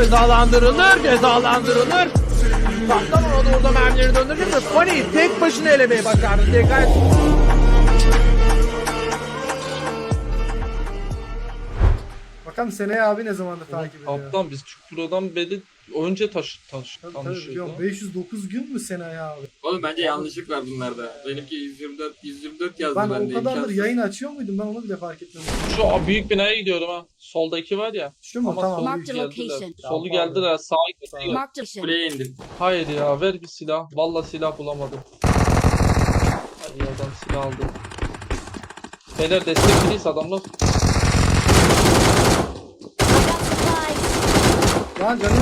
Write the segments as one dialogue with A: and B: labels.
A: cezalandırılır. Kastamonu da orada mermileri döndürecek ve Pony'yi tek başına elemeye başardı. Dikkat.
B: Bakalım Seneye abi ne zamandır takip ediyor.
C: Kaptan biz Çukura'dan beri önce tanışıyorduk.
B: 509 gün mü Seneye abi?
D: Oğlum bence yanlışlık var bunlarda. Benimki 124 yazdı
B: Ben
D: bende.
B: o kadardır
D: imkansız.
B: yayın açıyor muydum? Ben onu bile fark etmedim.
C: Şu büyük binaya gidiyorum ha. Soldaki var ya.
B: Şu mu?
C: Ama
B: Tamam.
C: solu
E: Mark the
C: geldiler.
E: location.
C: Solu
B: Tamam,
C: geldiler. Sağa gittiler.
E: Marked a location.
D: Kuleye indim.
C: Hayır ya ver bir silah. Vallahi silah bulamadım. Ay adam silah aldı. Beyler destekliyiz adamlar.
B: Lan canım.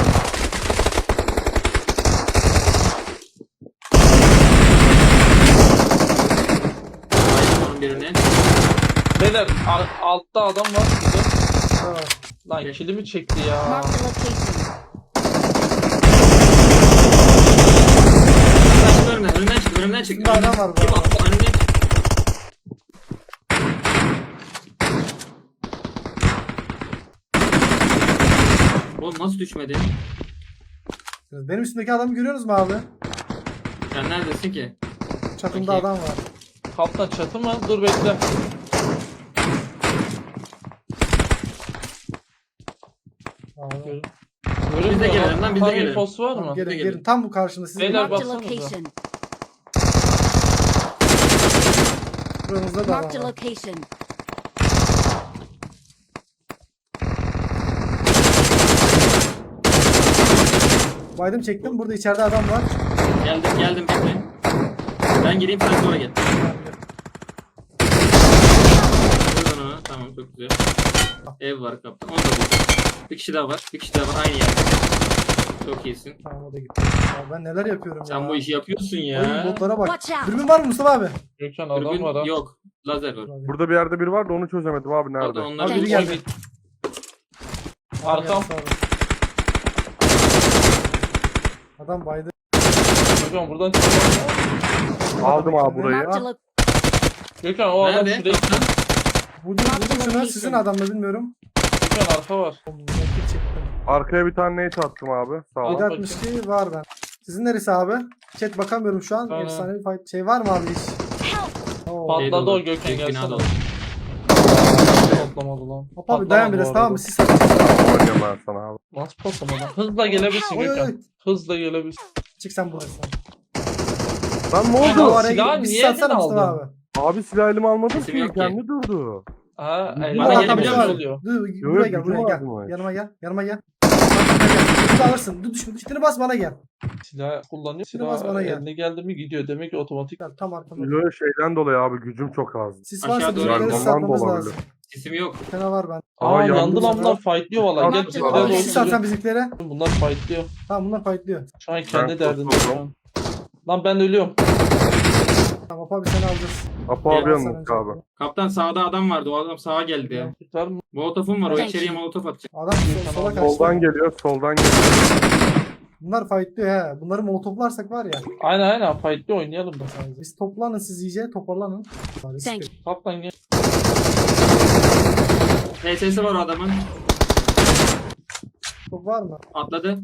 D: Aynen onun birini.
C: Beyler altta adam var burada.
B: Ha.
C: Lan
D: Okey.
C: kilimi çekti ya.
E: Marked a location.
D: Önümden çık.
B: Bir adam var bu
D: Kim
B: arada.
D: attı? Önümden çık. Oğlum nasıl düşmedi?
B: Benim üstümdeki adamı görüyorsunuz mu abi?
D: Sen neredesin ki?
B: Çatımda
D: Okey.
B: adam var.
C: Kaptan çatı mı? Dur bekle.
B: Abi.
D: Biz de gelelim lan, biz de
C: Tam
D: gelelim.
C: infosu var mı?
B: Gelin
D: gelin.
B: gelin. Tam bu karşımda. Sizin
C: Beyler
E: Marked a
C: baksanıza.
E: location.
B: buranızda da
E: Marked a
B: adam var.
E: location.
B: Baydım çektim. Burada içeride adam var.
D: Geldim bekle. Ben gireyim sen sonra gel. Vurdun onu. Tamam çok güzel. Ev var kaptan. Onu da vurdum. Bir kişi daha var. Aynı yerde. Çok iyisin.
B: Tamam o da gitti. Abi ben neler yapıyorum ya.
D: Sen bu işi yapıyorsun
B: Oyun
D: ya.
B: botlara bak.
E: Watch out.
B: Dürbün var mı Mustafa abi?
C: Gökhan adam
D: Dürbün
C: var ha.
D: yok. Lazer var.
F: Burada bir yerde biri var da onu çözemedim abi nerede?
D: Pardon onlar
B: Abi
E: Thank
B: biri
E: you.
B: geldi.
C: Arkam.
B: Abi, adam baydı.
C: Gökhan buradan çıkıyor.
F: Aldım abi burayı.
E: Marked a location.
C: Gökhan o adam
D: Nerede?
C: şuraya gitti.
B: Vurdum şuna. Sizin adam mı bilmiyorum.
C: Gökhan arka var.
B: Nakit çektim.
F: Arkaya bir tane nate attım abi. Sağ ol.
C: Al.
B: 762 var ben. Sizin neresi abi? Chat bakamıyorum şu an.
C: Tamam.
B: Efsane bir fight. Şey var mı abi iş?
E: Help.
B: Oo.
C: Pat-
D: Şey
C: Patladı
D: dolu,
C: o Gökhan,
D: büyük bina
C: gelsene.
D: dolu.
C: Patlamadı lan.
B: Hop abi
C: Patlamadı
B: dayan
C: bu
B: biraz
C: arada.
B: tamam mı? Siz
F: Oynayayım ben sana abi.
C: Nasıl patlamadı? Hızla gelebilirsin
B: Oy, oy,
C: Gökhan.
B: oy.
C: Hızla gelebilirsin.
B: Çık sen burası.
F: Lan ne
C: Ama
F: oldu?
B: Araya
C: silahı
B: gidip bir
C: niye
B: satsana
C: eline
B: Mustafa
C: aldın?
B: abi.
F: Abi silah elime almadım
D: Sesim
F: ki.
D: yok ki.
F: Kendi durdu.
C: Ha,
D: Bana
C: elinde
B: Burada
D: gelebiliyor
B: adam
D: musun?
B: var.
C: oluyor.
B: Dur,
F: Yo,
B: buraya gel
F: gücüm
B: buraya
F: var
B: gel.
F: mı?
B: Yanıma gel. Yanıma gel. Bunu alırsın. Dur düşme. Üstüne bas bana gel.
C: Silah kullanıyor.
B: Biraz bana
C: Silah
B: gel.
C: eline geldi mi gidiyor. Demek ki otomatik.
B: Gel tam arkamda.
F: Böyle şeyden dolayı abi gücüm çok az.
B: Sis
D: Aşağı
B: varsa
D: doğru
B: bizimkileri
D: in.
F: Ondan
B: satmamız
F: da
B: lazım.
F: olabilir.
D: Sesim yok.
B: Bir tane var ben.
C: Aa
F: yandı
C: yandı lan
B: sana.
C: bunlar fightlıyor valla. Gel
E: Marked
C: bizimkiler
E: location.
C: de
B: Sis satsan
C: olsun.
B: bizimkilere.
C: Bunlar fightlıyor.
B: Tamam bunlar fightlıyor.
C: Şu an kendi
F: Ben
C: derdinde.
F: kurtuldum.
C: şu an. Lan ben ölüyorum.
B: Tamam Hop abi seni alacağız.
F: Apo abi
D: Gel,
F: yanımda abi.
D: Kaptan sağda adam vardı. O adam sağa geldi ya.
C: Tutar mı?
D: Molotofum var. O
E: Thank
D: içeriye
E: you.
D: molotof atacak.
B: Adam sola kaçtı.
F: Soldan geliyor.
B: Bunlar fightlıyor he. Bunları molotoflarsak var ya.
C: Aynen fightlıyor oynayalım da.
B: Biz toplanın siz iyice toparlanın.
E: Thank
C: Kaptan gel.
D: HS'si var o adamın.
B: Top var mı?
D: Atladı.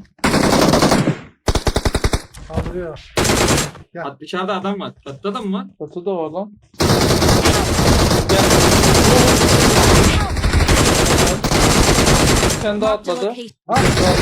B: Kaldırıyor.
D: Dışarıda adam var. Çatıda da mı var?
C: Katı da var lan. Sen de
E: Marked a
C: atladı.
E: location.
B: Ha,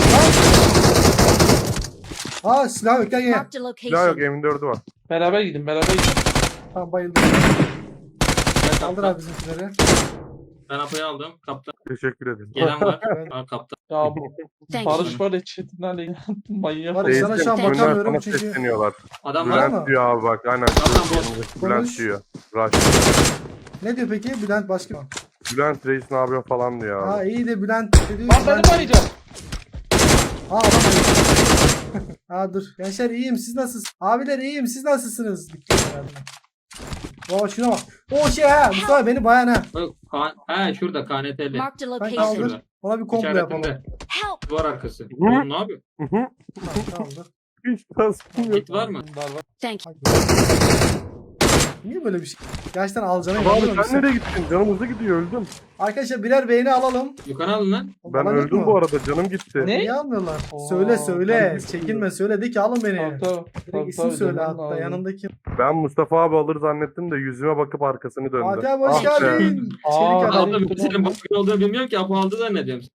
B: ha silah yok gel gel.
E: Marked a
F: Silah yok
E: location.
F: M4'ü var.
C: Beraber gidin beraber gidin.
B: Tamam bayıldım.
D: Ben
B: Kaldır
D: kaptan.
B: abi bizimkileri.
D: Ben Apo'yu aldım. Kaptan.
F: Teşekkür ederim.
D: Gelen var. Aa, kaptan.
C: Ya bu
E: Thank you.
C: Barış var ya chat'inlerle manyak
B: Var
C: oldu.
B: ya, sana şu an
F: Önden
B: bakamıyorum
F: sana
B: çünkü-
F: sesleniyorlar.
D: Adam var.
B: mı?
F: Bülent diyor abi bak. Aynen.
D: Tamam, boş.
B: Konuş.
F: Bülent diyor. Rush.
B: Ne diyor peki? Bülent başka mı?
F: Bülent reis ne yapıyor falan diyor
B: Ha
F: abi.
B: iyi de Bülent dedi.
C: Lan beni bayacağım.
B: Ha adam bayıldı. Ha dur. Gençler iyiyim siz nasılsınız? Abiler iyiyim siz nasılsınız? Baba şuna bak. O şey ha. Mustafa beni bayan ha.
D: He şurada KNT'li.
E: Marked a
B: Ben
E: location.
B: kaldır.
D: Şurada.
B: Ona bir komplo yapalım.
D: İçerisinde.
E: Help.
D: Duvar arkası. Oğlum ne yapıyor?
F: Hı hı.
B: Tamam, kaldır.
F: Hiç tasım yok.
D: Git var mı?
C: Var var.
E: Thank you.
B: Niye böyle bir şey? Gerçekten alacağına
F: Abi
B: inanıyorum.
F: sen nereye gittin? Canım hızlı gidiyor öldüm.
B: Arkadaşlar birer beğeni alalım.
D: Yukarı alın lan.
F: Ben
B: Bana yok
F: öldüm
B: mu?
F: bu arada canım gitti.
C: Ne?
B: Niye almıyorlar?
C: Oo,
B: Söyle.
C: tabii.
B: Çekinme söyle de ki alın beni.
C: Tabii,
B: Direkt isim söyle hatta yanındaki.
F: Ben Mustafa abi alır zannettim de yüzüme bakıp arkasını döndü.
B: Fatih abi hoş
F: Ah be.
B: geldin.
C: Aa,
B: Çelik adam.
D: Aldım. Senin baskın olduğunu bilmiyorum ki. Apo aldı zannediyorum.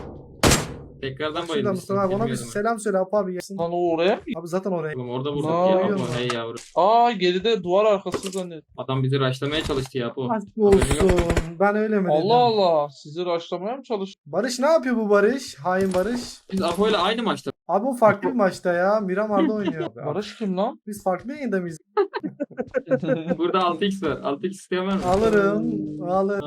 D: Tekrardan
B: Şurada
D: bayılmışsın.
B: Mustafa abi ona bir
D: Bilmiyordum.
B: selam söyle Apo abi gelsin.
C: Lan o oraya.
B: Abi zaten oraya.
D: Oğlum orada vurduk
C: Aa,
D: ya.
B: görüyor
D: Apo
B: musun?
D: hey yavrum.
C: Aa geride duvar arkası zannediyorum.
D: Adam bizi raşlamaya çalıştı ya Apo.
B: Aşk olsun. Ben öyle mi dedim?
C: Allah Allah. Sizi raşlamaya mı çalıştın?
B: Barış ne yapıyor bu Barış? Hain Barış.
D: Biz Apo ile aynı maçta.
B: Abi o farklı bir maçta ya. Miramar'da oynuyor.
C: Barış kim lan?
B: Biz farklı yayında mıyız?
D: Burada 6x var. 6x isteyen var mı?
B: Alırım. Alırım.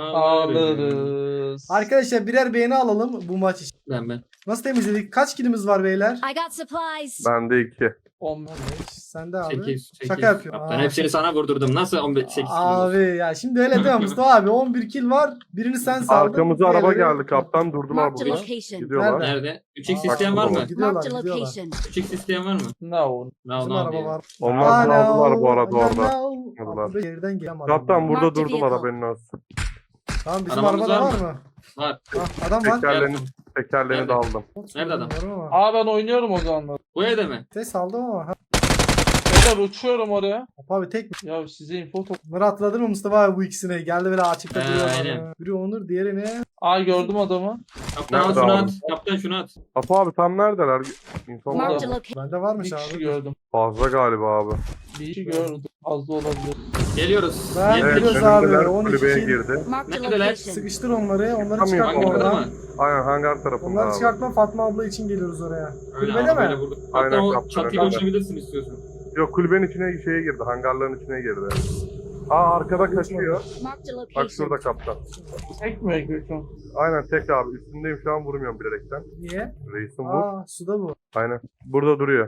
C: Alırız.
B: Arkadaşlar birer beğeni alalım bu maç için.
D: Ben.
B: Nasıl temizledik? Kaç kilimiz var beyler?
E: I got supplies.
F: Bende 2.
C: 15.
B: Sende abi.
D: 8.
B: Şaka yapıyorum.
D: Kaptan
B: Aa,
D: hepsini sana vurdurdum. Nasıl 15 8
B: Abi ya şimdi öyle değil mi Mustafa abi? 11 kill var. Birini sen saldın.
F: Arkamıza araba
B: diğerleri-
F: geldi kaptan durdular
E: Marked a
F: burada.
E: location.
F: Gidiyorlar.
B: Nerede?
D: Nerede? 3x
B: Aa,
D: isteyen var mı?
B: Gidiyorlar,
E: Marked a
B: gidiyorlar.
E: location.
D: 3x isteyen var mı?
C: Ne o?
D: No
B: Bizim
D: no
B: araba
D: diyor.
B: var.
F: Onlar
B: Aa,
F: aldılar
B: no,
F: bu arada
B: no,
F: orada.
B: no.
F: Aldılar.
B: Abi geriden gelen var.
F: Kaptan burada
E: Marked
F: durdular
E: vehicle.
F: haberin olsun.
B: Tamam bizim
D: Arabamız
B: arabada
D: var
B: var
D: mı?
B: mı?
D: Var.
B: Ha, adam var.
F: Tekerlerini
D: Nerede?
F: de aldım.
D: Nerede adam?
B: Bilmiyorum ama.
C: Aa ben oynuyorum o zaman.
D: Bu evde mi?
B: Ses aldım ama. Ha,
C: Beyler uçuyorum oraya.
B: Abi tek mi?
C: Ya size info top.
B: Bunları atladın mı Mustafa abi bu ikisini? Geldi böyle açıkta duruyor.
D: aynen.
B: Biri Onur diğeri ne?
C: Aa gördüm adamı.
D: Kaptan al
F: Nerede
D: şunu
F: abi?
D: at. Kaptan şunu at.
F: Apo abi tam neredeler? İnfo var
E: Marked a
F: mı?
E: location.
B: Bende
C: Bir
B: varmış
C: kişi
B: abi.
C: gördüm.
F: Fazla galiba abi.
C: Bir kişi gördüm. Az da olabilir.
D: Geliyoruz.
B: Ben-
D: Yetmiş.
B: Geliyoruz
F: Evet
B: abi,
F: önümdeler
B: 12
F: kulübeye
B: kill.
F: girdi.
E: Marked a
D: Neredeler?
E: location.
B: Sıkıştır onları. Onları
F: Tam
B: çıkartma
F: yakın
D: Hangarda
B: oradan.
D: mı?
F: Aynen hangar tarafında
B: Onları
F: abi.
B: çıkartma Fatma abla için geliyoruz oraya.
D: Öyle
B: Kulübede mi?
D: arabayla vurduk.
F: Aynen,
D: Hatta o
F: kaptan,
D: çatıya
F: öyle.
D: uçabilirsin istiyorsan.
F: Yok kulübenin içine şeye girdi. Hangarların içine girdi. Aa arkada kaçıyor.
E: Marked a
F: Bak
E: location.
F: şurada kaptan.
C: Tek mi Gökhan?
F: Aynen tek abi. Üstündeyim şu an vurmuyorum bilerekten.
B: Niye?
F: Reisim bu.
B: Aa suda bu.
F: Aynen. Burada duruyor.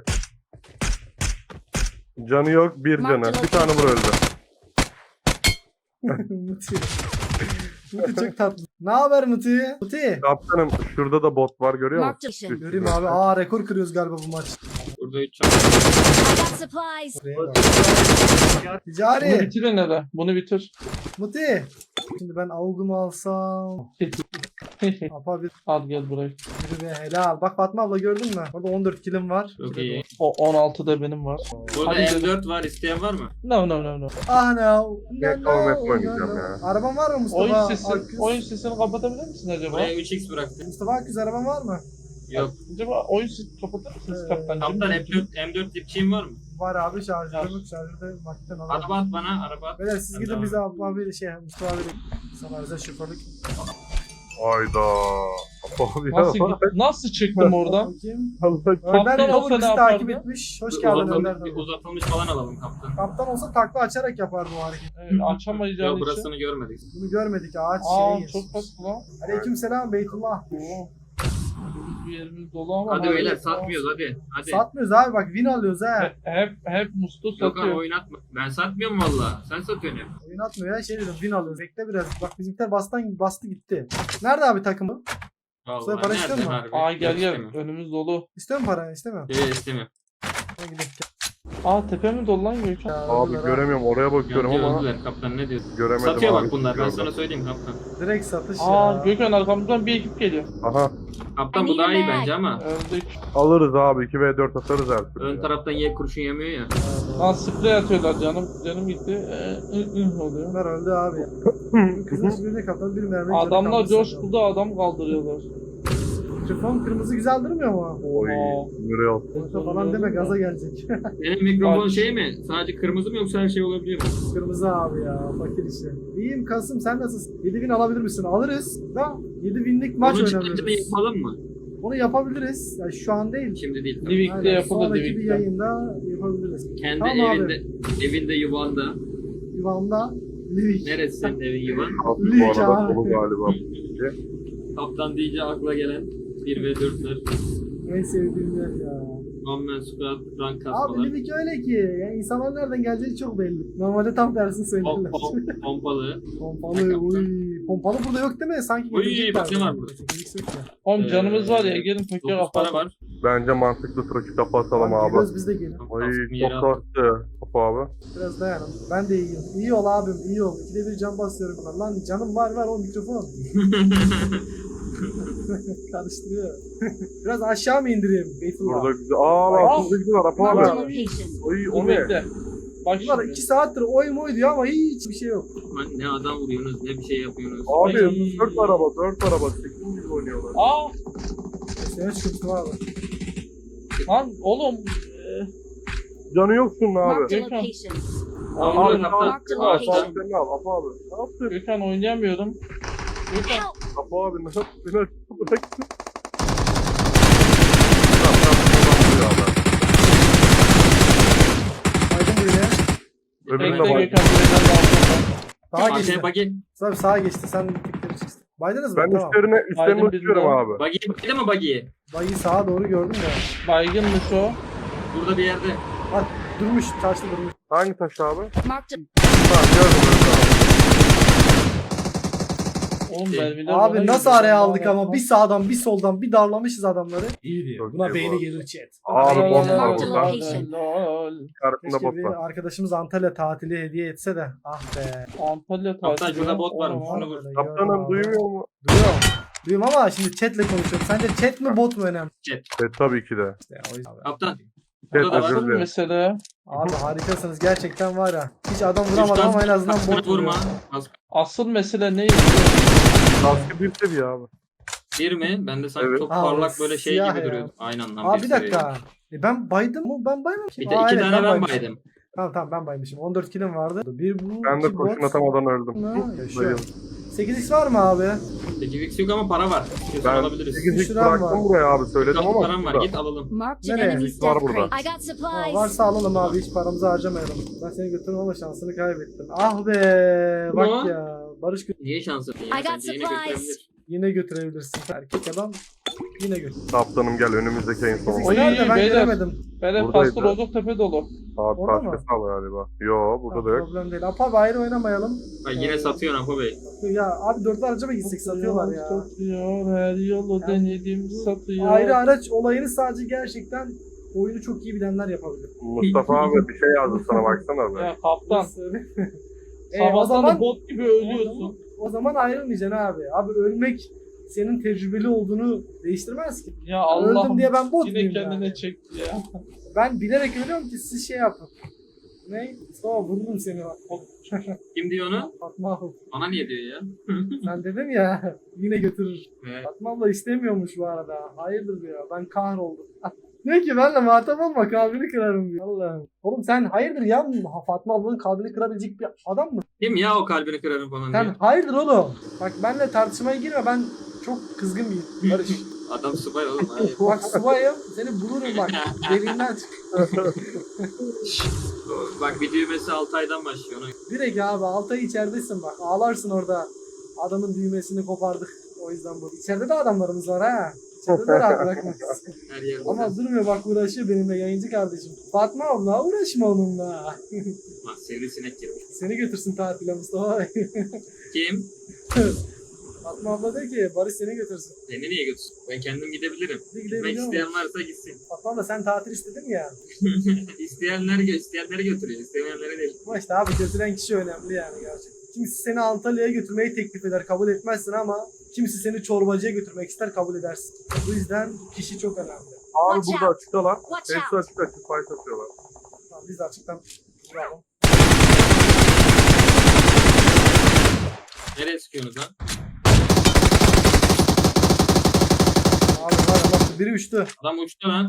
F: Canı yok bir canı. Bir tane vur öldü.
B: Muti. Muti çok tatlı. Ne haber Muti? Muti.
F: Kaptanım şurada da bot var görüyor musun?
E: Marked a location.
B: Göreyim abi. Aa rekor kırıyoruz galiba bu maç.
D: Burada 3 çatı.
E: I got supplies.
B: Oraya bak.
C: Bunu
B: Ticari.
C: bitirin hele. Bunu bitir.
B: Muti. Şimdi ben avugumu alsam. Apa bir
C: Al gel buraya.
B: biri be helal. Bak Fatma abla gördün mü? Orada 14 kilim var.
D: Çok iyi.
C: O 16 da benim var.
D: Burada
C: Hadi
D: M4 var. İsteyen var mı?
C: No no no no.
B: Ah no.
F: Net olmaz oynayacağım ya.
B: Araban var mı Mustafa?
C: Oyun
B: Akgüz?
C: sesini kapatabilir misin acaba?
D: Buraya 3x bıraktım.
B: Mustafa Akgüz araban var mı?
D: Yok.
C: Acaba oyun sesini kapatır mısınız kaptancığım?
D: Kaptan M4 dipçiğin var mı?
B: Var abi şarjörüm. Şarjörde makten alalım.
D: Araba at bana. Araba at.
B: Beyler siz
D: Ben
B: gidin
D: devam
B: bize abi Mustafa abi sana özel şoförlük.
F: Ayda. Apo abi ya.
C: Nasıl çıktım oradan?
B: Bakayım.
F: Allah
B: Önder
C: Kaptan
B: Cover
C: olsa
B: bizi
C: ne
B: takip
C: yapardı?
B: etmiş. Hoş geldin Önder.
D: Bir uzatılmış falan alalım kaptan.
B: Kaptan olsa takla açarak yapardı o hareketi.
C: Evet, açamayacağım
D: Yok
C: için.
D: burasını görmedik.
B: Bunu görmedik ağaç
C: Aa
B: şeyi.
C: çok tatlı lan.
B: Aleyküm selam Beytullah.
C: Oo. Bir yerimiz dolu ama.
D: Hadi
C: böyle-
D: beyler satmıyoruz hadi. Hadi.
B: Satmıyoruz abi bak win alıyoruz ha.
C: Hep Mustu
D: Yok abi
C: satıyor.
D: oynatma. Ben satmıyorum valla. Sen satıyorsun hep.
B: Oyun atmıyor ya şey dedim win alıyoruz. Bekle biraz. Bak bizimkiler bastı gitti. Nerede abi takımı?
D: Vallahi
B: para istiyor
D: nerede
B: mu?
D: harbi?
C: Aa gel
D: Yok,
C: gel.
D: istemiyorum.
C: Önümüz dolu.
B: İstiyor mu para? İstemiyorum.
D: İstemiyorum.
B: Hadi gidelim.
C: Aa tepe mi dolu lan Gökhan?
B: Ya,
F: Abi
B: öldüler ha.
F: göremiyorum oraya bakıyorum
D: Öldüler,
F: ama
D: öldüler. Kaptan ne diyorsun?
F: göremedim
D: Satıyor
F: abi.
D: bak bunlar. Ben
F: Gördüm.
D: sana söyleyeyim kaptan.
B: Direkt satış
C: Aa
B: ya.
C: Gökhan arkamızdan bir ekip geliyor.
F: Aha
D: Kaptan bu daha iyi bence ama.
C: Öldük.
F: alırız abi 2v4 atarız her türlü.
D: Ön
F: ya.
D: taraftan ye kurşun yemiyor ya.
C: Lan sprey atıyorlar canım gitti. Oluyor.
B: Bunlar öldü abi. Kızın hiçbirine kaptan bir mermi.
C: Adamlar coşkuda adam kaldırıyorlar.
B: Mikrofon kırmızı güzel durmuyor mu?
F: Oy
C: Aa.
F: Real.
B: Yoksa falan deme gaza gelecek.
D: Benim mikrofon
C: Bak.
D: şey mi? Sadece kırmızı mı yoksa her şey olabilir mi?
B: Kırmızı abi ya fakir işte. İyiyim Kasım sen nasılsın? 7000 alabilir misin? Alırız. Da 7000'lik maç
D: Onu çıkınca da
B: oynamıyoruz.
D: yapalım mı?
B: Onu yapabiliriz. Ya şu an değil.
D: Şimdi değil.
C: Livik'te
B: Aynen,
C: yapılır
B: sonraki bir
C: Livik'te.
B: yayında yapabiliriz.
D: Kendi
B: Tamam
D: evinde, evinde yuvanda.
B: Yuvamda Livik.
D: Neresi senin evin yuvan?
F: Abi bu
B: Lig
F: arada
B: abi.
F: dolu galiba.
D: Kaptan deyince akla gelen 1 ve 4'ler.
B: En sevdiğim yer ya.
D: One man squad, rank
B: Abi
D: kasmalar.
B: Livik öyle ki. Yani insanlar nereden geleceği çok belli. Normalde tam tersini söylerler.
D: Pompalı.
B: Pompalı. Uy. Pompalı burada yok değil mi? Sanki
D: Uy,
B: gelecekler
D: bak ne var
B: böyle.
D: burada?
B: Sekiz yok ya.
C: Oğlum canımız var ya gelin peki
D: 9 para var.
F: Bence mantıklı trafik kapatalım
B: Tamam,
F: abi.
B: geliyoruz biz de gelin.
F: Ay
D: Kaskımı yere
F: çok
D: aldım.
F: kastı. Apo abi.
B: Biraz dayanın. Ben de iyiyim. İyi ol abim, iyi ol. İkide bir can basıyorum buna. Lan canım var o mikrofon. Karıştırıyor. Biraz aşağı mı indireyim? Beytullah.
F: Burada güzel. Aa lan altında güzel var Apo
E: Marked a
F: abi.
E: location.
F: Oy
C: Dur
F: o ne?
C: bekle. Bak
B: Bunlar
C: şimdi.
B: 2 saattir oy moy diyor ama hiç bir şey yok.
D: Lan ne adam vuruyorsunuz ne bir şey yapıyorsunuz.
F: Abi
C: Ay.
F: 4 araba. 8 gibi oynuyorlar.
C: Aa
B: Sesine çıkıntı var abi.
C: lan oğlum.
F: Canı yoksun abi.
E: Marked a
C: Gökhan.
E: location.
D: Tamam,
C: Abi,
D: kaptan.
E: Marked a
C: Var,
E: location.
F: Sen al Apo abi. Ne yaptın?
C: Gökhan oynayamıyorum. Gökhan.
E: Help!
F: Apo abi ne yaptın? Bırak.
B: Aydın buraya.
F: Öbürünü
C: Bekle
F: de bak.
C: Gökhan buraya da aldım.
B: Sağa geçti.
D: Arkaya bagi.
B: Tabii sağa geçti. Sen tıkları çıksın. Baydınız mı?
F: Ben
B: Tamam.
F: üstlerine
C: Aydın
F: uçuyorum
C: bizde.
F: abi.
D: Bagi mi bagiyi?
B: Bayı sağa doğru gördüm ya.
C: Baygınmış o.
D: Burada bir yerde.
B: Bak durmuş. Taşlı durmuş.
F: Hangi taş abi?
E: Marked a
F: Tamam gördüm abi.
C: Oğlum
D: Şey,
C: mermiler bana
B: Abi nasıl
C: gidiyor.
B: araya aldık ama bir sağdan bir soldan bir darlamışız adamları. İyi
F: Çok
B: Buna
F: iyi
B: beyni
F: bu.
B: gelir chat.
F: Abi
C: Lol,
F: bot var
E: Marked a
F: burada.
E: location.
C: lol.
F: Karşında
B: Keşke
F: bot
B: bir
F: var.
B: arkadaşımız Antalya tatili hediye etse de. Ah be.
C: Antalya
D: Kaptan
C: tatili.
D: şurada bot varmış.
C: Oğlum,
D: Şunu vur.
F: Kaptanım duymuyor mu?
B: Duyuyorum. Duyuyorum ama şimdi chatle konuşuyorum. Sence chat mi bot mu önemli?
F: Tabii ki de.
B: İşte o yüzden.
D: Kaptan.
F: Evet,
D: Burada da var.
F: özür
C: Asıl
F: dilerim.
C: mesele,
B: Abi harikasınız gerçekten var ya. Hiç adam
D: Üç
B: vuramadım
D: tane
B: ama en azından
D: kaskını
B: bot
D: vurma.
B: vuruyor.
C: asıl mesele ne?
F: Kaskı bir seviye abi.
D: Bir mi? Ben de sanki
F: Evet.
D: çok
B: Abi,
D: parlak böyle şey
B: siyah
D: gibi
B: ya.
D: duruyordu. Aynen lan.
B: Abi bir
D: seviye.
B: dakika. Ben baydım mı? Ben baymamışım.
D: Bir de
B: Aa,
D: iki
B: evet,
D: tane ben
B: baymışım.
D: baydım.
B: Tamam ben baymışım. 14 kilim vardı. Bir bu.
F: Ben de
B: iki
F: kurşun
B: bot.
F: atamadan öldüm.
B: Ne? Yaşıyor.
F: Dayım.
B: 8x var mı abi?
D: 8x yok ama para var. Kesin
F: Ben
D: alabiliriz.
F: 8'lik
B: Düşüren var.
F: bıraktım buraya abi söyledim
D: Kapı
F: ama.
D: param var.
F: burada.
D: Git alalım.
E: Marked an
B: Nereye?
E: enemy's
F: Var
E: death
F: burada.
E: crate. I got
B: Ha,
E: supplies.
B: varsa alalım abi hiç paramızı harcamayalım. Ben seni götürürüm ama şansını kaybettin. Ah be bak
D: Ne?
B: ya. Barış
D: Niye şansın ya?
E: I got
D: Sence yine
E: supplies.
D: götürebilir.
B: yine götürebilirsin. Erkek adam yine götür.
F: Kaptanım gel önümüzdeki en son.
B: 8x
C: Oy,
B: nerede ben
C: beyler.
B: göremedim.
C: Böyle
F: Buradaydı.
C: pastır Rozoktepe dolu.
F: Abi
B: Orada mı?
F: başkası al galiba. Yo burada da
B: Ha,
F: yok.
B: problem değil. Apa ayrı oynamayalım.
D: Bak yine satıyor Apo Bey.
B: Ya abi dörtlü araca mı gitsek satıyorlar ya.
C: Satıyor, her yolu
B: Yani
C: denedim satıyor.
B: Ayrı araç olayını sadece gerçekten oyunu çok iyi bilenler yapabilir.
F: Mustafa abi bir şey yazdı sana baksana be.
C: Ya kaptan,
B: o
C: sabahtan
B: zaman
C: bot gibi ölüyorsun.
B: o zaman ayrılmayacaksın abi. Abi ölmek senin tecrübeli olduğunu değiştirmez ki.
C: Ya Allah'ım
B: Öldüm diye ben bot
C: yine
B: muyum
C: kendine
B: yani?
C: çekti ya.
B: Ben bilerek ölüyorum ki siz şey yapın. Ne? Mustafa vurdum seni bak.
D: Kim diyor onu?
B: Fatma abla.
D: Bana niye diyor ya?
B: Sen dedim ya yine götürür.
D: Evet.
B: Fatma abla istemiyormuş bu arada. Hayırdır diyor. Ben kahroldum. Diyor ki benle muhatap olma kalbini kırarım diyor. Allah'ım. Oğlum sen hayırdır ya Fatma ablanın kalbini kırabilecek bir adam mı?
D: Kim ya o kalbini kırarım falan
B: Sen
D: diyor.
B: hayırdır oğlum. Bak benle tartışmaya girme ben çok kızgın biriyim. Barış.
D: Adam subay oğlum. Hayır.
B: Bak subayım seni bulurum bak. Derinden çık.
D: Bak bir düğmesi 6 aydan başlıyor. Ona.
B: Direkt abi 6 ay içeridesin bak. Ağlarsın orada. Adamın düğmesini kopardık. O yüzden bu. İçeride de adamlarımız var ha. İçeride de rahat bırakmayız.
D: Her yer
B: Ama durmuyor bak uğraşıyor benimle yayıncı kardeşim. Fatma abla uğraşma onunla.
D: Lan seni sinek girmiş.
B: Seni götürsün tatile Mustafa Bey.
D: Kim?
B: Fatma abla diyor ki Barış seni götürsün.
D: Beni niye götürsün? Ben kendim gidebilirim.
B: Bir
D: Gitmek
B: gidebiliyor
D: isteyen
B: musun?
D: varsa gitsin.
B: Fatma abla sen tatil istedin ya.
D: İsteyenleri götürüyor. İstemeyenleri değil.
B: Ama işte abi götüren kişi önemli yani gerçekten. Kimisi seni Antalya'ya götürmeyi teklif eder kabul etmezsin ama kimisi seni çorbacıya götürmek ister kabul edersin. Bu yüzden kişi çok önemli.
F: Abi
E: Watch
F: burada
E: out.
F: açıktalar.
E: Watch
F: Hepsi
E: out.
F: açık fight atıyorlar.
B: Tamam, biz de açıktan vuralım.
D: Nereye sıkıyorsunuz lan?
B: Abi var ya bak biri uçtu.
D: Adam uçtu lan.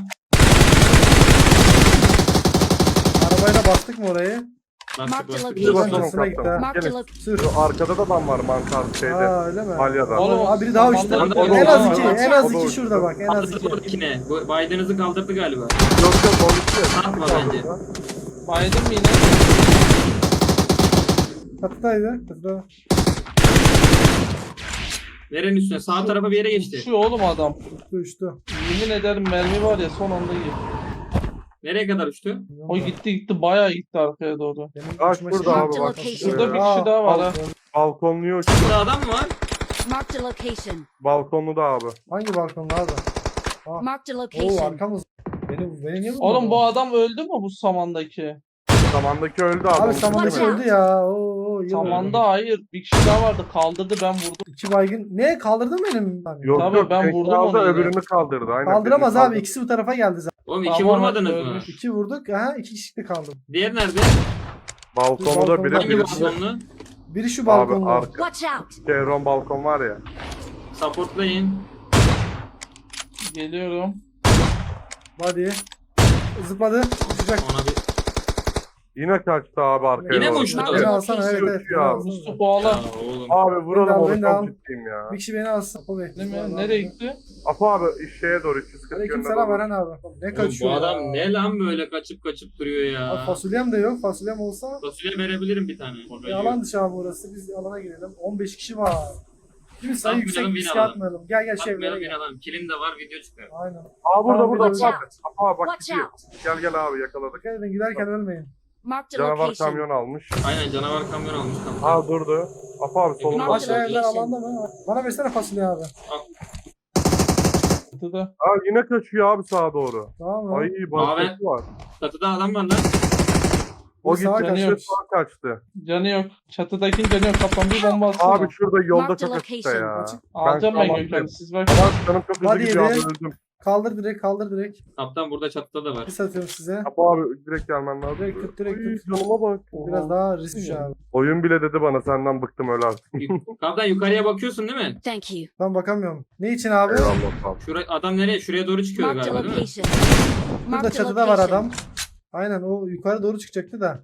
B: Arabayla bastık mı orayı?
D: Bastık
E: Mark the
D: bastık.
F: Bir
E: location.
F: basalım
B: Arkasına gitti ha.
F: kaptan.
E: Marked a
F: Gelin.
E: location.
B: Sür.
F: Şu arkada da adam var mantar şeyde.
B: Aa öyle mi?
F: Alya'da.
C: Oğlum,
B: Abi biri daha uçtu.
C: tamam,
D: tamam,
B: En az
D: tamam,
B: iki.
C: tamam.
B: En az
F: O da
B: iki
F: uçtu.
B: şurada bak. En az iki.
D: Kaldırdı ikine. Bu Biden'ınızı kaldırdı galiba.
F: Yok yok o bitti.
D: Atma bence.
C: Baydın mı yine?
B: Katıdaydı. Katıda.
D: Nerenin üstüne? Sağ tarafa bir yere geçti.
C: Şu oğlum adam.
B: Uçtu.
C: Yemin ederim mermi var ya son anda gitti.
D: Nereye kadar uçtu?
C: O gitti bayağı gitti arkaya doğru.
B: Benim
F: Kaç
B: uçma
F: burada
B: şeyim-
F: abi bak.
E: Location.
C: Şurada bir kişi daha var ha.
F: Balkonluyor.
D: Burada adam mı var?
E: Marked a location.
F: Balkonlu da abi.
B: Hangi balkonda abi?
E: Marked a
B: Oo
E: location.
B: arkamız. Beni niye vurdun?
C: Oğlum bu adam öldü mü bu samandaki?
F: Samandaki öldü abi.
B: Abi
F: onu
B: samandaki
F: tutuyorum.
B: öldü ya. Oo, yıl
C: Samanda hayır. Bir kişi daha vardı. Kaldırdı, ben vurdum.
B: 2 baygın. Ne kaldırdın mı benim?
F: Yok
C: Tabii,
F: yok.
C: ben
F: tek
C: vurdum
F: aldı,
C: onu yine.
F: öbürünü kaldırdı. Aynen.
B: Kaldıramaz
F: birini
B: abi.
F: kaldırdı.
B: İkisi bu tarafa geldi zaten.
D: Oğlum iki
C: Tamam,
D: vurmadınız mı?
C: ölmüş.
B: 2 vurduk. Aha 2 kişi de kaldı.
D: Diğer nerede?
F: Balkonda
B: Balkonda.
F: biri
D: Hangi
F: biri.
D: balkonlu?
B: Biri şu
F: Abi
B: balkonda.
F: arka.
E: Watch out!
F: Chevron balkon var ya.
D: Supportlayın.
C: Geliyorum.
B: Hadi. Zıpladı. Uçacak.
D: Ona bir...
F: Yine kaçtı abi arkaya.
D: Yine mi
F: doğru.
D: uçtu?
B: Beni alsana evet evet.
F: Uçuyor
B: Beni
F: abi.
B: alsana.
C: Mustafa bağla.
D: Ya oğlum.
F: Abi vuralım
B: Ben de al,
F: onu,
B: ben de al.
F: çok ciddiyim ya.
B: Bir kişi beni alsın. Apo Bey.
C: Değil mi? Nereye gitti?
F: Apo abi şeye doğru 340
B: Aleyküm
F: yönüne
B: selam
F: doğru.
B: Eren abi. Ne
D: Oğlum
B: kaçıyor
D: bu adam
B: ya?
D: ne lan böyle kaçıp duruyor
B: Abi
D: ya.
B: fasulyem de yok. Fasulyem olsa
D: Fasulye verebilirim bir tane.
B: yalan dışı abi burası. Biz alana girelim. 15 kişi var. Şimdi sayı
D: Atmayalım,
B: yüksek
D: yine
B: riske
D: alalım.
B: atmayalım. Gel gel şey
D: Atmayalım
B: evlere
D: bir
B: gel.
D: adam. Kilim de var video çıkıyor.
B: Aynen.
F: Aa burada
B: Tamam,
F: burada.
B: Watch
F: Apo abi bak
E: Watch
F: gidiyor.
E: out!
F: Gel gel abi yakaladık.
B: Dikkat edin giderken ölmeyin.
E: Marked a
F: Canavar
E: location.
F: kamyon almış.
D: Aynen canavar kamyon almış kaptan.
F: Aa durdu. Apo abi solunda.
E: Marked
B: Bak
E: a
B: evler
E: location.
B: alanda mı? Bana versene fasulye abi.
C: Çatıda.
F: Aa yine kaçıyor abi sağa doğru.
B: Tamam mı?
F: Ay başkası var.
D: Çatıda adam var lan.
F: O
B: Bir sağa
F: gitti
C: kaçıyor.
F: sağa kaçtı.
C: Canı yok. Çatıdakinin canı yok. Kaptan bir bomba atsana.
F: Abi şurada yolda
E: Marked
F: çok açıkta
E: location.
F: ya.
B: Açık.
C: Alacağım ben
F: tamam,
C: Gökhan'ı. Siz bak.
F: Bak canım çok hızlı
B: Hadi
F: gidiyor abi
B: yedi.
F: öldüm.
B: Kaldır direkt kaldır direkt.
D: Kaptan burada çatıda da var.
B: Bir satıyorum size.
F: Apo abi direkt gelmen lazım.
B: Direkt tut, direkt
F: Ay,
B: tut.
F: canıma bak.
B: Biraz daha riskli abi.
F: Oyun bile dedi bana senden bıktım öyle artık.
D: Kaptan yukarıya bakıyorsun değil mi?
E: Thank you.
B: Ben bakamıyorum. Ne için abi?
F: Eyvallah abi.
D: Adam nereye? Şuraya doğru çıkıyor
E: Marked a
D: galiba değil mi?
E: location.
B: Burada
E: Marked a
B: çatıda var
E: location.
B: adam. Aynen o yukarı doğru çıkacaktı da.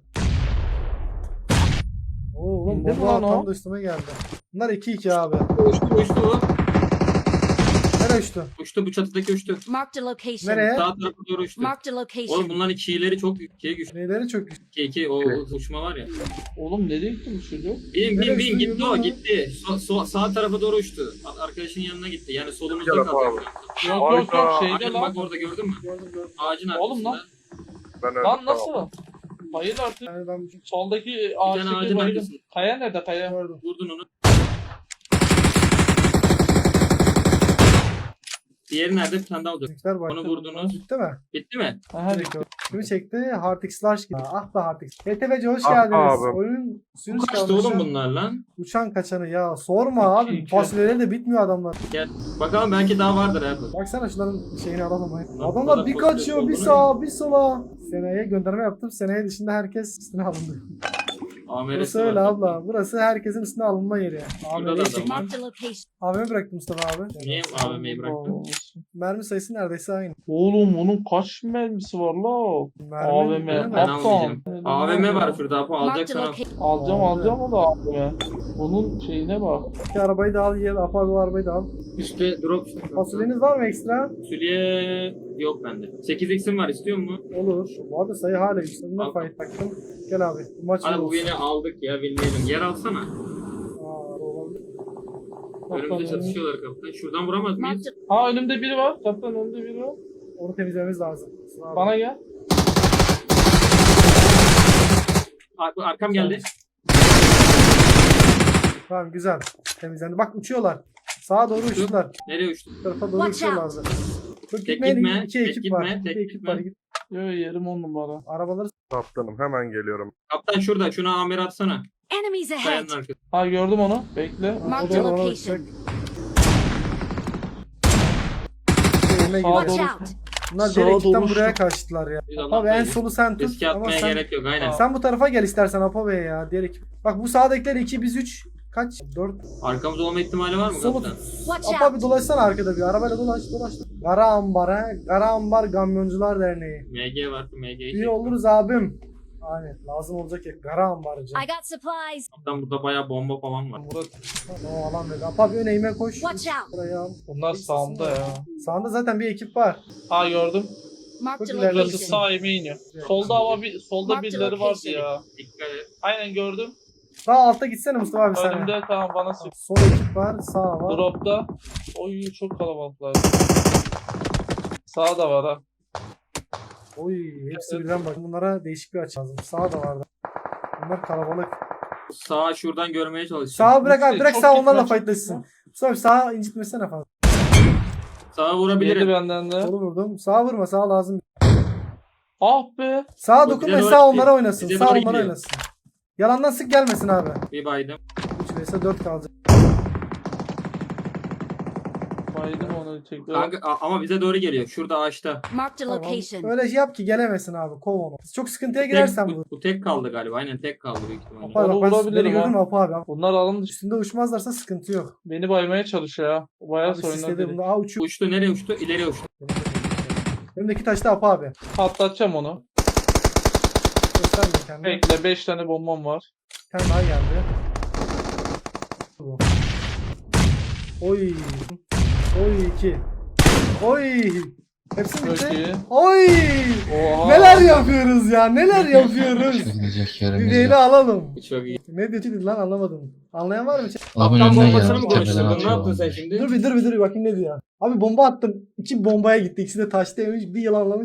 B: Oo oğlum
C: İndi mi
B: bomba
C: lan o?
B: tam da üstüme geldi. Bunlar 2-2 abi.
D: Uçtu o.
B: Nereye uçtu?
D: Uçtu bu çatıdaki uçtu.
E: Marked a location.
B: Nereye?
D: Sağ tarafa doğru uçtu.
E: Marked a
D: Oğlum
E: location.
D: bunların ikileri çok güçlü.
B: Neyleri çok güçlü.
D: 2 o uçma var ya.
C: Oğlum nereye gitti bu çocuk?
D: Bin
B: Nereye
D: bin
B: uçtu,
D: gitti o
B: yürü
D: gitti. Sağ tarafa doğru uçtu. Arkadaşının yanına gitti. Yani solumuzda
F: Gel
D: kaldı.
F: abi.
C: Yok yok yok şeyde
D: Aynen
C: lan.
D: bak orada gördün mü?
B: Gördüm gördüm.
D: Ağacın
C: Oğlum
D: arkasında.
C: lan.
F: Ben öldüm.
C: Lan
F: tamam.
C: nasıl? Hayır artık.
B: Yani ben
C: Soldaki
D: Bir tane
C: ağaçtaki
D: ağacın
C: bayılım.
D: arkasında.
C: Kaya nerede kaya?
B: gördüm.
D: Vurdun onu. Diğeri nerede? Bir tane daha olacak.
B: Bizimkiler
D: Onu
B: başladı.
D: vurdunuz.
B: Bitti mi?
D: Bitti mi?
C: Aha,
B: Direkt gördüm. Kimi çekti? Hardix Large gibi. Ah be Hardix. HTV'ci hoş
F: Ah
B: geldiniz.
F: abi.
B: Oyun sürüş
D: Kaçtı oğlum bunlar lan.
B: Uçan kaçanı ya. Sorma abi.
C: İki.
B: Fasulyeleri de bitmiyor adamlar.
D: Gel. Bakalım belki daha vardır abi.
B: Baksana şunların şeyini alalım.
D: Lan
B: Adamlar
D: burada
B: bir
D: fasulye
B: kaçıyor, bir
D: dolduruyor.
B: sağa, bir sola. Seneye gönderme yaptım. Seneye dışında herkes üstüne alındı.
D: Ameresi
B: Burası
D: var.
B: öyle abla. Burası herkesin üstüne alınma yeri.
D: Burada da
B: AVM'yi
D: adam
B: çektim.
D: var.
E: Marked a location.
B: AVM bıraktım Mustafa abi.
D: Niye AVM'yi bıraktın?
B: Mermi sayısı neredeyse aynı.
C: Oğlum onun kaç mermisi var la? AVM.
B: değil mi?
D: Ben
C: Kaptan.
D: almayacağım. AVM var şurada Apo
E: Marked a
D: alacaksan al.
E: location.
C: Alacağım o da AVM. Onun şeyine bak.
B: İki arabayı da al, yer Apo abi o arabayı da al.
D: Üstte drop.
B: Fasulyeniz var mı ekstra?
D: Fasulye yok bende. 8x'im var istiyor mu?
B: Olur. Bu arada sayı hala yükseldiğinde
D: Al.
B: fight taktım. Gel abi. Bu maç
D: Hadi bu
B: olsun.
D: yine aldık ya bilmeyelim. Yer alsana.
B: Aa, olabilir.
D: Önümüzde çatışıyorlar kaptan. Şuradan vuramaz mıyız?
E: Marked
C: Ha önümde biri var. Kaptan önümde biri var.
B: Onu temizlememiz lazım. Sıra abi.
C: Bana gel.
D: Arkam geldi.
B: Tamam güzel. Temizlendi. Bak uçuyorlar. Sağa doğru uçtular.
D: Nereye uçtu?
B: Bu tarafa doğru
E: Watch
B: uçuyorlardı. Çok
D: Tek
B: gitmeyin.
D: gitme,
B: İki
D: tek
B: ekip
D: gitme,
B: var.
D: tek
B: İki ekip
D: gitme.
B: var. Git.
C: Yo yerim 10 numara.
B: Arabaları
F: Kaptanım hemen geliyorum.
D: Kaptan şurada. Şuna amir atsana.
E: Enemies ahead.
D: Kayanın arkası.
C: Ha gördüm onu. Bekle.
E: Marked
B: o da
E: a
B: ona
E: location.
B: uçacak. Yerine
C: Sağa
B: gidiyor.
E: Watch
C: doğru.
E: out.
B: Bunlar
C: Sağa
B: diğer ekipten
C: doğru
B: buraya
C: uçtu.
B: kaçtılar ya.
D: Biz Allah
B: Abi en
D: korusun.
B: solu sen tut.
D: Riske
B: Ama
D: atmaya
B: sen,
D: gerek yok aynen.
B: sen bu tarafa gel istersen Apo Bey ya. Diğer ekip. Bak bu sağdakiler 2 biz 3. Kaç? 4.
D: Arkamızda olma ihtimali var mı
B: Solu
D: kaptan?
B: tut.
E: Watch
B: Apo
E: out.
B: abi dolaşsana arkada bir. Arabayla dolaş. Kara Ambar he. Kara Ambar Kamyoncular Derneği.
D: MG var. MG'yi
B: İyi
D: çek.
B: oluruz abim. Aynen lazım olacak ya. Kara Ambarcı.
E: I got supplies.
D: Kaptan burada bayağı bomba falan var.
C: Murat.
B: O alan dedi. Apo abi öne koş.
E: Watch out.
B: Buraya al.
C: Bunlar sağımda ya.
B: Sağında zaten bir ekip var.
C: Ha gördüm.
E: Marked a
B: Çok ileride
C: Burası
E: location.
C: sağ yemeğe iniyor. Solda ama solda
E: Marked
C: birileri vardı
E: location.
C: ya.
D: Dikkat et.
C: Aynen gördüm.
B: Sağ altta gitsene Mustafa abi sen.
C: Önümde tamam bana sık.
B: Sol ekip var. Sağ var.
C: Drop'ta. Oy çok kalabalıklar. Sağ da var ha.
B: Oy hepsi birden bak. Bunlara değişik bir açı lazım. Sağ da vardı. Bunlar kalabalık.
D: Sağa şuradan görmeye çalışacağım.
B: Sağa bırak abi. Direkt
C: Çok
B: sağ
C: gitme,
B: onlarla
C: çok
B: fightlaşsın. Mustafa abi sağa incitmesene fazla.
D: Sağa
C: Yedi
D: vurabilirim.
C: benden de.
B: Solu vurdum. Sağa vurma. Sağ lazım.
C: Ah be.
B: Sağa
D: Bu
B: dokunma
D: bize
B: sağ
D: doğru
B: onlara
D: gidiyor.
B: oynasın.
D: Bize
B: Sağ
D: doğru
B: onlara
D: gidiyor.
B: oynasın. Yalandan sık gelmesin abi.
D: Bir baydım.
B: 3 vs 4 kalacak.
C: Baydım onu tekrar.
D: Kanka ama bize doğru geliyor. Şurada ağaçta.
E: Marked a
B: Tamam.
E: location.
B: Öyle şey yap ki gelemesin abi. Kov onu. Çok sıkıntıya
D: Tek,
B: girersen bu.
D: bu tek kaldı galiba. Aynen tek kaldı büyük ihtimalle.
B: Apo abi
C: Onu
B: bak ben
C: vurabilirim
B: beni gördün mü
C: ha.
B: Apo abi?
C: Bunlar alın dışı.
B: Üstünde uçmazlarsa sıkıntı yok.
C: Beni baymaya çalışıyor ya. Bayağı
B: Abi
C: soyunlar
B: sisledi
C: beni.
B: bunda. Aa uçuyor.
D: Uçtu nereye uçtu? İleriye uçtu.
B: Önümdeki taşta Apo abi.
C: Patlatacağım onu.
B: Gösterme kendini.
C: Bekle 5 tane bombam var.
B: Bir tane daha geldi. Bu. Oy. Oy 2. Oy. Hepsi
C: Çok
B: bitti.
C: iyi.
B: Oy.
C: Oha.
B: Neler yapıyoruz ya? Neler yapıyoruz? Bir veli alalım.
D: Çok iyi.
B: Ne dedi lan anlamadım. Anlayan var mı?
G: Abinin
D: Tam
G: önünden
D: bombasını
G: geldi.
D: mı
G: Tepeden
D: konuşturdun? Ne
G: atıyor
D: yaptın sen
G: bombayı.
D: şimdi?
B: Dur bir bakayım ne diyor. Abi bomba attım. 2 bombaya gitti. İkisi de taştaymış. Bir yılanlamış.